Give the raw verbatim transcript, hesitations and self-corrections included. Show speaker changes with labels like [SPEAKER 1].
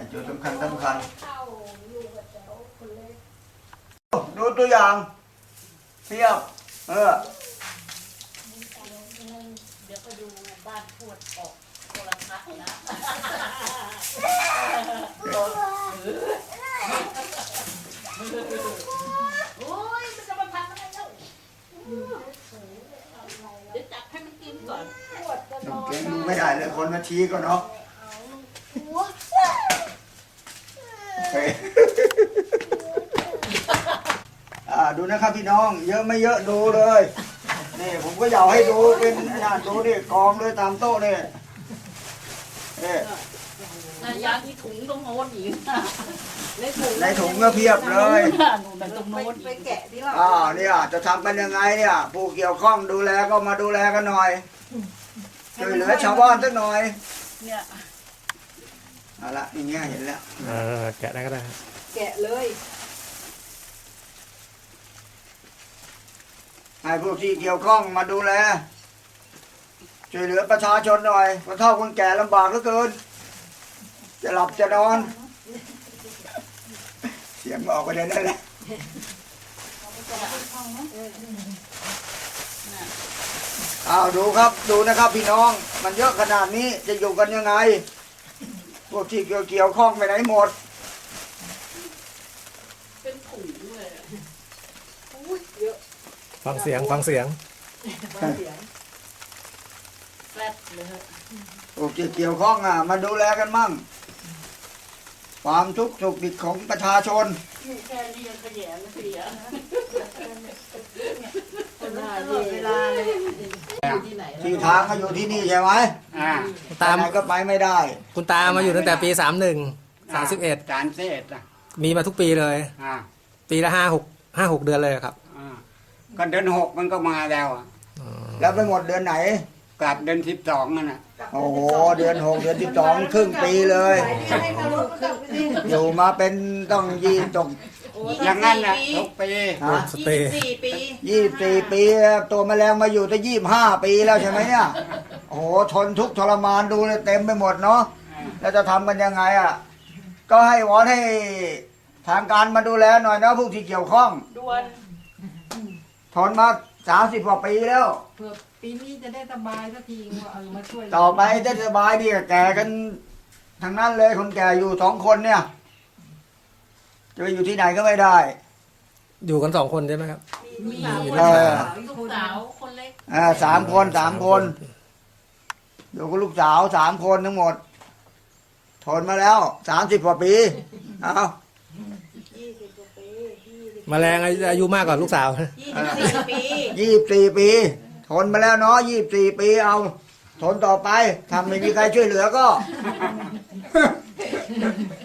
[SPEAKER 1] จุดสำคัญสำคัญดูตัวอย่างเทียบเออ
[SPEAKER 2] เดี๋ยวไปดูบ้านพูดออกโทรทัศน์นะโอ้ยมันจะมาทำอะไรเล่าเดี๋ยวจับให้มันกินก่อน
[SPEAKER 1] น้องเก่งดูไม่ได้เลยคนมาชี้ก็เนาะอ่าดูนะครับพี่น้องเยอะไม่เยอะดูเลยนี่ผมก็อยากให้ดูเป็นอ่าดูนี่กองเลยตามโต๊ะนี่นี่
[SPEAKER 2] ยาที่ถุงตรงโน้นอีก
[SPEAKER 1] ในถุงก็เพียบเลย
[SPEAKER 2] ตรงโน้นไปแกะที่ว่า
[SPEAKER 1] อ่าเนี่ยจะทำกันยังไงเนี่ยผู้เกี่ยวข้องดูแลก็มาดูแลกันหน่อยช่วยเหลือชาวบ้านสักหน่อย
[SPEAKER 2] เนี่ย
[SPEAKER 1] เอาละอย่างเงี้ยเห็นแล้ว
[SPEAKER 3] เออแกะได้ก็ได้
[SPEAKER 2] แกะเลย
[SPEAKER 1] ให้ผู้ที่เกี่ยวข้องมาดูแลช่วยเหลือประชาชนหน่อยคนเฒ่าคนแก่ลำบากเหลือเกินจะหลับจะนอนเสียงออกไปได้นั่นแหละอ้าวดูครับดูนะครับพี่น้องมันเยอะขนาดนี้จะอยู่กันยังไงพวกที่เกี่ยวเกี่ยวข้องไปไหนหมด
[SPEAKER 2] เป็นถุงเลยเยอะ
[SPEAKER 3] ฟังเสียงฟังเสียง
[SPEAKER 2] ฟังเสียงแฟลตเลย
[SPEAKER 1] พวกที่เกี่ยวข้องอ่ะมาดูแลกันมั่งความทุกข์สุขดิบของประชาชน
[SPEAKER 2] แค่นี้ยังขยะเสียคนละเวลาเลยอยู่ที่ไหน
[SPEAKER 1] ที่ทางก็อยู่ที่นี่ใช่ไหมอ่าตามก็ไปไม่ได้
[SPEAKER 3] คุณตามาอยู่ตั้งแต่ปีสามหนึ่งสามสิบเอ็ด
[SPEAKER 1] สามสิบเอ็ด
[SPEAKER 3] มีมาทุกปีเลย
[SPEAKER 1] อ่า
[SPEAKER 3] ปีละห้าหกห้าหกเดือนเลยครับ
[SPEAKER 1] อ่าก็เดือนหกมันก็มาแล้วอ่ะแล้วไปหมดเดือนไหนกลับเดือนสิบสองนั่นน่ะโอ้โหเดือนหกเดือนสิบสองครึ่งปีเลยอยู่มาเป็นต้องยี่จบอย่างนั้นน่ะทุกปี
[SPEAKER 3] สเตย์
[SPEAKER 2] สี่ปี
[SPEAKER 1] ยี่สี่ปีตัวแมลงมาอยู่ตั้งยี่ห้าปีแล้วใช่ไหมเนี่ยโอ้โหทนทุกข์ทรมานดูเลยเต็มไปหมดเนาะแล้วจะทำกันยังไงอ่ะก็ให้วอนให้ทางการมาดูแลหน่อยนะผู้ที่เกี่ยวข้อง
[SPEAKER 2] ด่วน
[SPEAKER 1] ทนมาสามสิบกว่าปีแล้ว
[SPEAKER 2] เพื่อปีนี้จะได้สบายสักทีว่าเออมาช่วย
[SPEAKER 1] ต่อไปจะสบายดีแก่กันทางนั้นเลยคนแก่อยู่สองคนเนี่ยจะไปอยู่ที่ไหนก็ไม่ได้
[SPEAKER 3] อยู่กันสองคนใช่ไหมครับ
[SPEAKER 2] มีลูกสาวคนเล็ก
[SPEAKER 1] อ่าสามคนสามคนอยู่กับลูกสาวสามคนทั้งหมดทนมาแล้วสามสิบกว่าปีเอา
[SPEAKER 3] แมลงอายุมากกว่าลูกสาว
[SPEAKER 2] ยี่สิบสี่ปี
[SPEAKER 1] ยี่สิบสี่ปีทนมาแล้วเนาะยี่สิบสี่ปีเอาทนต่อไปทำไม่มีใครช่วยเหลือก็